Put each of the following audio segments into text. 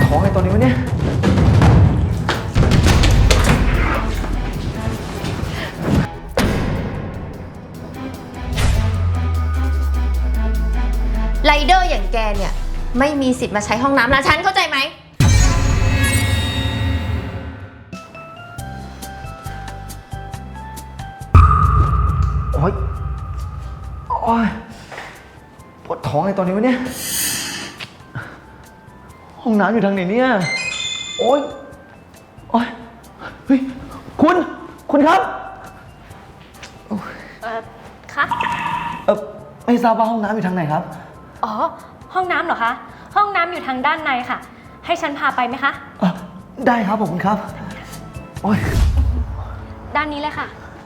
ท้องไอ้ตัวนี้วะเนี่ยไรเดอร์อย่างแกเนี่ยไม่มีสิทธิ์มาใช้ห้องน้ำร้านฉันเข้าใจไหมโอ๊ยโอ๊ยปวดท้องไอ้ตัวนี้วะเนี่ยห้องน้ำอยู่ทางไหนเนี่ยโอ๊ยโอ๊ยเฮ้ยคุณครับคะไม่ทราบว่าห้องน้ำอยู่ทางไหนครับอ๋อห้องน้ำเหรอคะห้องน้ำอยู่ทางด้านในค่ะให้ฉันพาไปไหมคะได้ครับผมครับโอ๊ยด้านนี้เลยค่ะ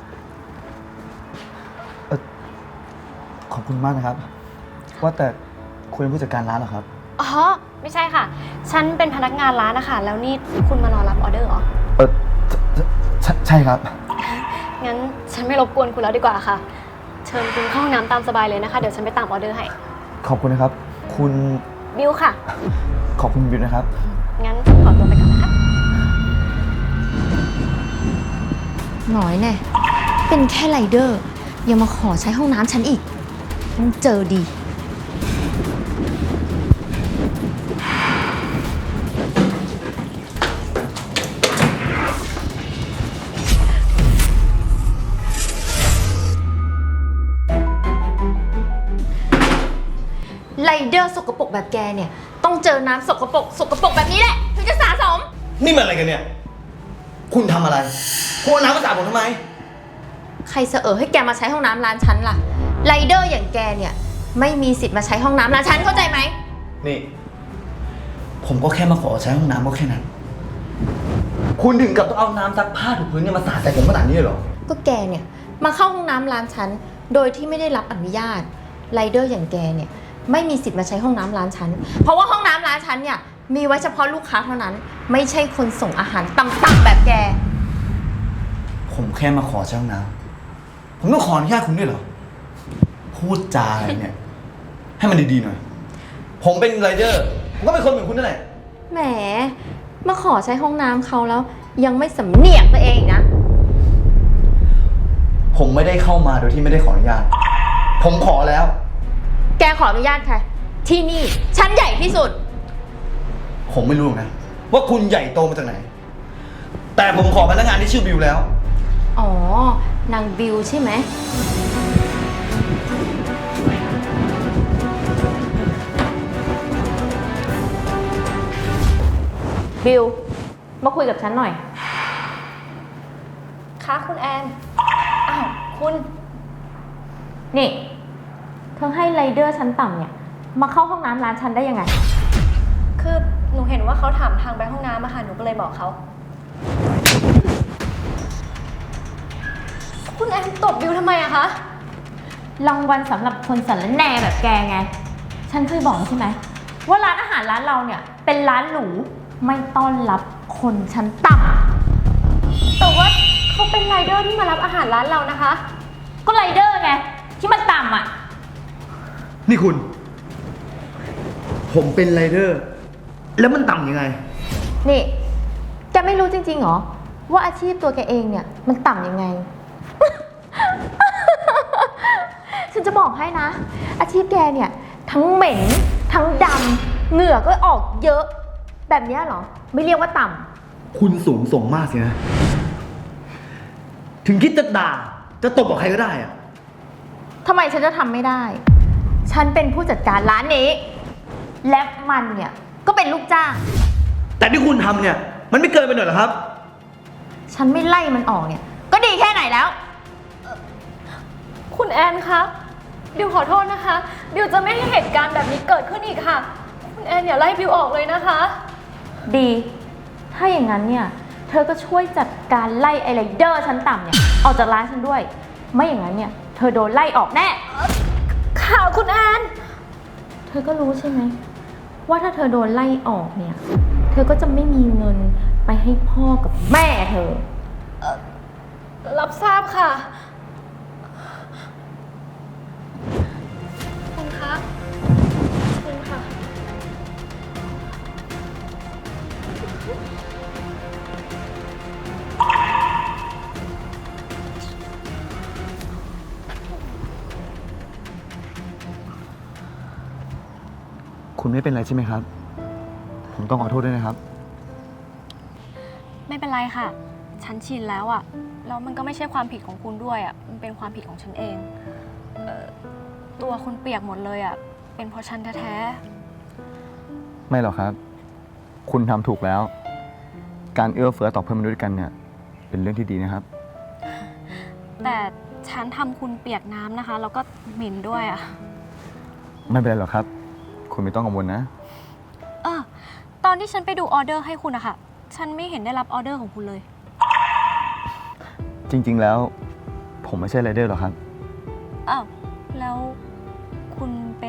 ขอบคุณมากนะครับว่าแต่คุณเป็นผู้จัดการร้านเหรอครับอ๋อไม่ใช่ค่ะฉันเป็นพนักงานร้านนะคะแล้วนี่คุณมารอรับออเดอร์เหรอใช่ครับงั้นฉันไม่รบกวนคุณแล้วดีกว่าค่ะเชิญคุณเข้าห้องน้ำตามสบายเลยนะคะเดี๋ยวฉันไปตามออเดอร์ให้ขอบคุณนะครับคุณบิวค่ะขอบคุณบิวนะครับงั้นขอตัวไปก่อนนะคะหน่อยแน่เป็นแค่ไรเดอร์ยังมาขอใช้ห้องน้ำฉันอีกต้องเจอดีไรเดอร์สกปรกแบบแกเนี่ยต้องเจอน้ำสกปรกแบบนี้แหละถึงจะสะสมนี่มันอะไรกันเนี่ยคุณทำอะไรคุณเอาน้ำมาสาดผมทำไมใครเสอให้แกมาใช้ห้องน้ำร้านฉันล่ะไรเดอร์อย่างแกเนี่ยไม่มีสิทธิ์มาใช้ห้องน้ำร้านฉันเข้าใจไหมนี่ผมก็แค่มาขอใช้ห้องน้ำก็แค่นั้นคุณถึงกับต้องเอาน้ำซักผ้าถูพื้นเนี่ยมาสาดใส่ผมขนาดนี้เลยเหรอก็แกเนี่ยมาเข้าห้องน้ำร้านฉันโดยที่ไม่ได้รับอนุญาตไรเดอร์อย่างแกเนี่ยไม่มีสิทธิ์มาใช้ห้องน้ำร้านฉันเพราะว่าห้องน้ำร้านฉันเนี่ยมีไว้เฉพาะลูกค้าเท่านั้นไม่ใช่คนส่งอาหารต่ำๆแบบแกผมแค่มาขอใช้ห้องน้ำผมต้องขออนุญาตคุณด้วยเหรอพูดจาอะไรเนี่ยให้มันดีๆหน่อยผมเป็นไรเดอร์ผมก็เป็นคนเหมือนคุณนั่นแหละแหมมาขอใช้ห้องน้ำเขาแล้วยังไม่สำเนียกตัวเองนะผมไม่ได้เข้ามาโดยที่ไม่ได้ขออนุญาตผมขอแล้วแกขออนุญาตค่ะที่นี่ชั้นใหญ่ที่สุดผมไม่รู้นะว่าคุณใหญ่โตมาจากไหนแต่ผมขอพนักงานที่ชื่อบิวแล้วอ๋อนางบิวใช่ไหมบิวมาคุยกับฉันหน่อยคะคุณแอนอ้าวคุณนี่เธอให้ไรเดอร์ชั้นต่ำเนี่ยมาเข้าห้องน้ำร้านฉันได้ยังไงคือหนูเห็นว่าเขาถามทางไปห้องน้ำอะค่ะหนูก็เลยบอกเขาคุณแอนตบบิวทำไมอะคะรางวัลสำหรับคนสารแหน่แบบแกไงฉันเคยบอกใช่ไหมว่าร้านอาหารร้านเราเนี่ยเป็นร้านหรูไม่ต้อนรับคนชั้นต่ำแต่ว่าเขาเป็นไรเดอร์ที่มารับอาหารร้านเรานะคะก็ไรเดอร์ไงที่มันต่ำอ่ะนี่คุณผมเป็นไรเดอร์แล้วมันต่ำยังไงนี่แกไม่รู้จริงๆเหรอว่าอาชีพตัวแกเองเนี่ยมันต่ำยังไง ฉันจะบอกให้นะอาชีพแกเนี่ยทั้งเหม็นทั้งดำเหงื่อก็ออกเยอะแบบนี้เหรอไม่เรียกว่าต่ำคุณสูงส่งมากสินะถึงคิดจะด่าจะตบกับใครก็ได้อะทำไมฉันจะทำไม่ได้ฉันเป็นผู้จัดการร้านนี้และมันเนี่ยก็เป็นลูกจ้างแต่ที่คุณทำเนี่ยมันไม่เกินไปหน่อยเหรอครับฉันไม่ไล่มันออกเนี่ยก็ดีแค่ไหนแล้วคุณแอนคะบิวขอโทษนะคะบิวจะไม่ให้เหตุการณ์แบบนี้เกิดขึ้นอีกค่ะคุณแอนอย่าไล่บิวออกเลยนะคะดีถ้าอย่างนั้นเนี่ยเธอก็ช่วยจัดการไล่ไอไรเดอร์ชั้นต่ำเนี่ยออกจากร้านฉันด้วยไม่อย่างนั้นเนี่ยเธอโดนไล่ออกแน่ค่ะคุณแอนเธอก็รู้ใช่ไหมว่าถ้าเธอโดนไล่ออกเนี่ยเธอก็จะไม่มีเงินไปให้พ่อกับแม่เธอรับทราบค่ะคุณคะคุณค่ะคุณไม่เป็นไรใช่ไหมครับ ผมต้องขอโทษด้วยนะครับไม่เป็นไรค่ะ ฉันชินแล้วอะแล้วมันก็ไม่ใช่ความผิดของคุณด้วยอะมันเป็นความผิดของฉันเองตัวคุณเปียกหมดเลยอะเป็นเพราะฉันแท้ไม่หรอกครับ คุณทำถูกแล้ว การเอื้อเฟื้อต่อเพื่อนมนุษย์ด้วยกันเนี่ย เป็นเรื่องที่ดีนะครับๆแต่ฉันทำคุณเปียกน้ำนะคะ แล้วก็เหม็นด้วยอะไม่เป็นไรหรอกครับ คุณไม่ต้องกังวลนะตอนที่ฉันไปดูออเดอร์ให้คุณอะค่ะ ฉันไม่เห็นได้รับออเดอร์ของคุณเลยจริง ๆ แล้ว ผมไม่ใช่ไรเดอร์หรอกครับอ้าว แล้วคุณเป็น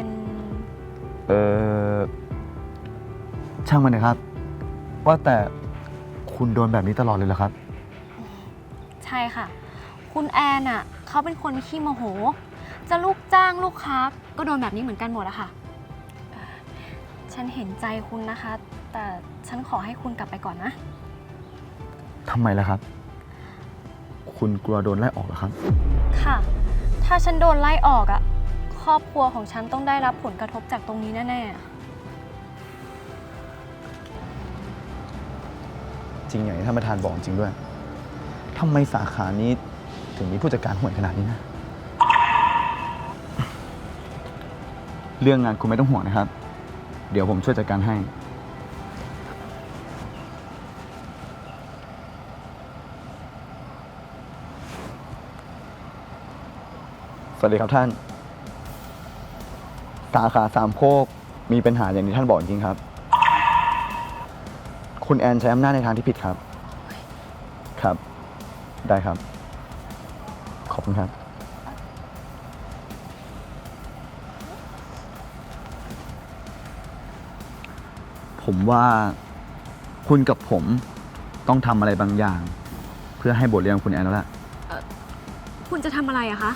ช่างมันนะครับ ว่าแต่คุณโดนแบบนี้ตลอดเลยเหรอครับใช่ค่ะ คุณแอนอะเขาเป็นคนขี้โมโห จะลูกจ้างลูกค้าก็โดนแบบนี้เหมือนกันหมดอะค่ะ ฉันเห็นใจคุณนะคะ แต่ฉันขอให้คุณกลับไปก่อนนะทำไมล่ะครับ คุณกลัวโดนไล่ออกเหรอครับค่ะ ถ้าฉันโดนไล่ออกอะครอบครัวของฉันต้องได้รับผลกระทบจากตรงนี้แน่จริงอย่างที่ท่านประธานบอกจริงด้วย ทำไมสาขานี้ถึงมีผู้จัดการห่วยขนาดนี้นะ เรื่องงานคุณไม่ต้องห่วงนะครับ เดี๋ยวผมช่วยจัดการให้ สวัสดีครับท่าน สาขาสามโคกมีปัญหาอย่างที่ท่านบอกจริงครับ คุณแอนใช้อำนาจในทางที่ผิดครับ ครับ ได้ครับ ขอบคุณครับ ผมว่าคุณกับผมต้องทำอะไรบางอย่าง เพื่อให้บทเรียนคุณแอนแล้วล่ะๆ คุณจะทำอะไรอะคะ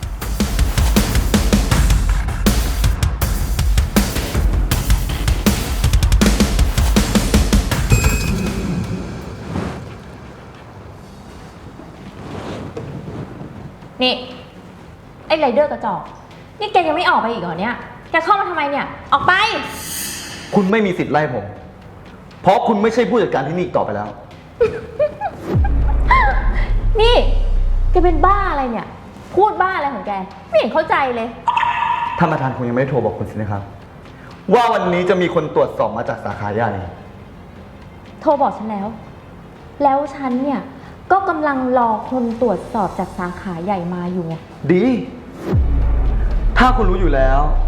นี่ ไอ้ไรเดอร์กระจอก นี่แกยังไม่ออกไปอีกเหรอเนี่ย แกเข้ามาทำไมเนี่ย ออกไปคุณไม่มีสิทธิ์ไล่ผม เพราะคุณไม่ใช่ผู้จัดการที่นี่อีกต่อไปแล้วนี่ แกเป็นบ้าอะไรเนี่ย พูดบ้าอะไรของแก ไม่เห็นเข้าใจเลยท่านประธานคงยังไม่ได้โทรบอกคุณสินะครับ ว่าวันนี้จะมีคนตรวจสอบมาจากสาขาใหญ่โทรบอกฉันแล้ว แล้วฉันเนี่ย ก็กำลังรอคนตรวจสอบจากสาขาใหญ่มาอยู่ดี ถ้าคุณรู้อยู่แล้ว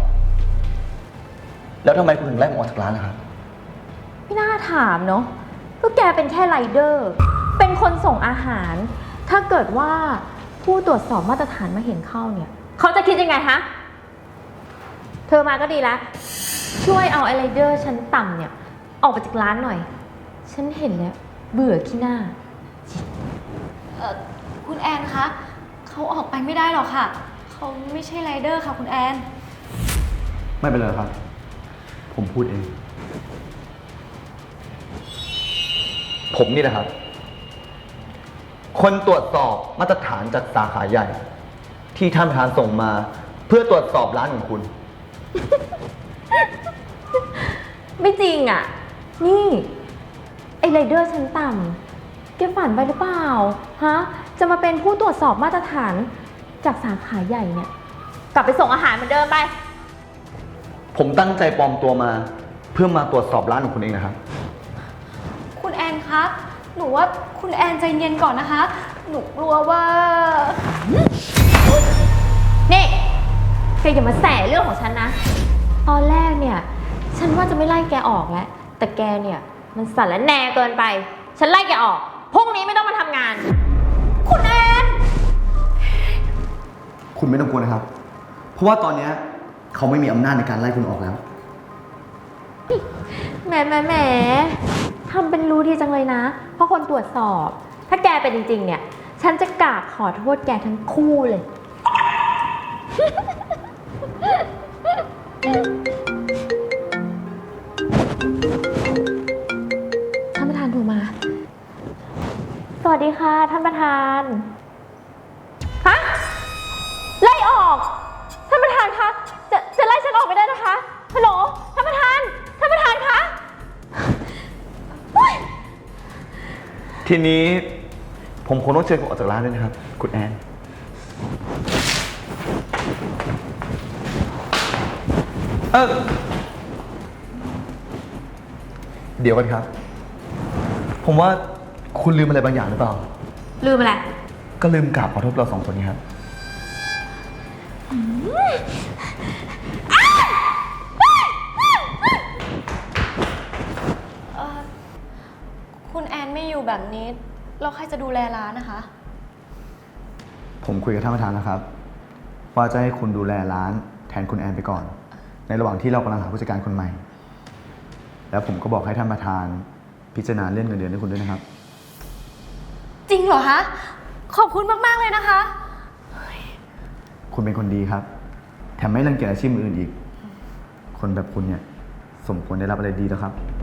แล้วทำไมคุณถึงไล่ผมออกจากร้านนะครับไม่น่าถามเนาะก็แกเป็นแค่ไรเดอร์ เป็นคนส่งอาหาร ถ้าเกิดว่าผู้ตรวจสอบมาตรฐานมาเห็นเข้าเนี่ย เขาจะคิดยังไงฮะ เธอมาก็ดีแล้ว ช่วยเอาไอไรเดอร์ชั้นต่ำเนี่ย ออกไปจากร้านหน่อย ฉันเห็นแล้ว เบื่อขี้หน้าคุณแอนคะ เขาออกไปไม่ได้หรอกค่ะ เขาไม่ใช่ไรเดอร์ค่ะคุณแอนไม่เป็นไรครับ ผมพูดเอง ผมนี่แหละครับ คนตรวจสอบมาตรฐานจากสาขาใหญ่ ที่ท่านประธานส่งมา เพื่อตรวจสอบร้านของคุณไม่จริงอ่ะ นี่ ไอไรเดอร์ชั้นต่ำแกฝันไปหรือเปล่า ฮะ จะมาเป็นผู้ตรวจสอบมาตรฐานจากสาขาใหญ่เนี่ย กลับไปส่งอาหารเหมือนเดิมไปผมตั้งใจปลอมตัวมา เพื่อมาตรวจสอบร้านของคุณเองนะครับคุณแอนคะ หนูว่าคุณแอนใจเย็นก่อนนะคะ หนูกลัวว่านี่แกอย่ามาแสเรื่องของฉันนะ ตอนแรกเนี่ย ฉันว่าจะไม่ไล่แกออกแล้ว แต่แกเนี่ย มันสั่นและแหน่เกินไป ฉันไล่แกออก พรุ่งนี้ไม่ต้องมาทำงาน คุณแอนคุณไม่ต้องกลัวนะครับ เพราะว่าตอนนี้เขาไม่มีอำนาจในการไล่คุณออกแล้วแหมทำเป็นรู้ดีจังเลยนะ เพราะคนตรวจสอบ ถ้าแกเป็นจริงๆเนี่ย ฉันจะกราบขอโทษแกทั้งคู่เลย ท่านประธานวัสดีค่ะท่านประธาน ฮะ ไล่ออก ท่านประธานคะ จะไล่ฉันออกไม่ได้นะคะ ฮัลโหล ท่านประธาน ท่านประธานคะโอ๊ยทีนี้ผมคงต้องเชิญคุณออกจากร้านด้วยนะครับ คุณแอน เดี๋ยวกันครับ ผมว่าคุณลืมอะไรบางอย่างหรือเปล่าลืมอะไรก็ลืมกราบขอโทษเรา2 คนนี้ครับคุณแอนไม่อยู่แบบนี้แล้วใครจะดูแลร้านนะคะผมคุยกับท่านประธานแล้วครับ ว่าจะให้คุณดูแลร้านแทนคุณแอนไปก่อน ในระหว่างที่เรากำลังหาผู้จัดการคนใหม่ แล้วผมก็บอกให้ท่านประธานพิจารณาเลื่อนเงินเดือนให้คุณด้วยนะครับจริงเหรอคะ ขอบคุณมากๆเลยนะคะคุณเป็นคนดีครับ แถมไม่รังเกียจอาชีพอื่นอีก คนแบบคุณเนี่ยสมควรได้รับอะไรดีแล้วครับ